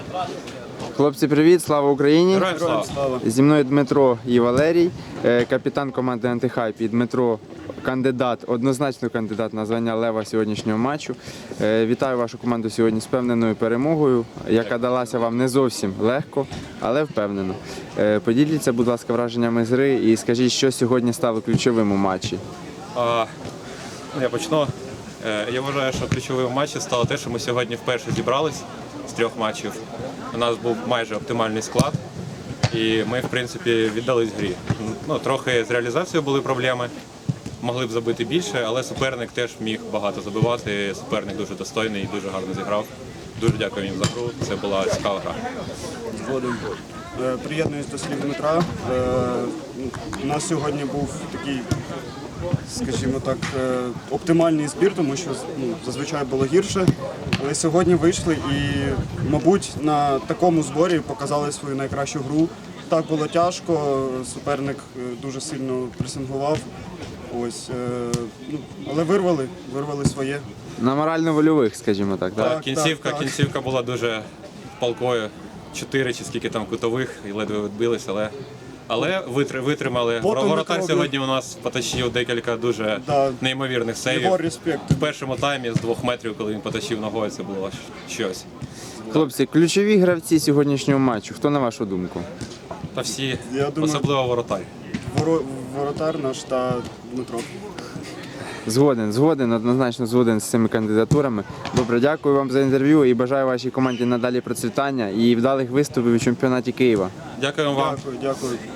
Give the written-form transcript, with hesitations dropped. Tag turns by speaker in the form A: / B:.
A: Хлопці, привіт, слава Україні!
B: Героям слава!
A: Зі мною Дмитро і Валерій, капітан команди «Антихайп» і Дмитро, однозначно кандидат на звання лева сьогоднішнього матчу. Вітаю вашу команду сьогодні з впевненою перемогою, яка далася вам не зовсім легко, але впевнено. Поділіться, будь ласка, враженнями з гри і скажіть, що сьогодні стало ключовим у матчі.
B: Я почну. Я вважаю, що ключовим в матчі стало те, що ми сьогодні вперше зібрались з 3 матчів. У нас був майже оптимальний склад, і ми, в принципі, віддались грі. Трохи з реалізацією були проблеми, могли б забити більше, але суперник теж міг багато забивати. Суперник дуже достойний і дуже гарно зіграв. Дуже дякую їм за гру, це була цікава гра.
C: Згодом. Приєднуюсь до слів Дмитра. У нас сьогодні був такий, скажімо так, оптимальний збір, тому що зазвичай було гірше. Але сьогодні вийшли і, мабуть, на такому зборі показали свою найкращу гру. Так було тяжко, суперник дуже сильно пресингував. Але вирвали своє.
A: На морально-вольових, скажімо так, так?
B: Кінцівка була дуже палкою. 4 чи скільки там кутових і ледве відбилися, але витримали. Воротар сьогодні у нас потащив декілька дуже неймовірних сейвів. В першому таймі з 2 метрів, коли він потащив ногою, це було щось.
A: Хлопці, ключові гравці сьогоднішнього матчу, хто на вашу думку?
B: Та всі, особливо воротар.
C: Воротар наш та Дмитро.
A: Згоден, однозначно згоден з цими кандидатурами. Добре, дякую вам за інтерв'ю і бажаю вашій команді надалі процвітання і вдалих виступів у чемпіонаті Києва.
B: Дякую вам.
C: Дякую.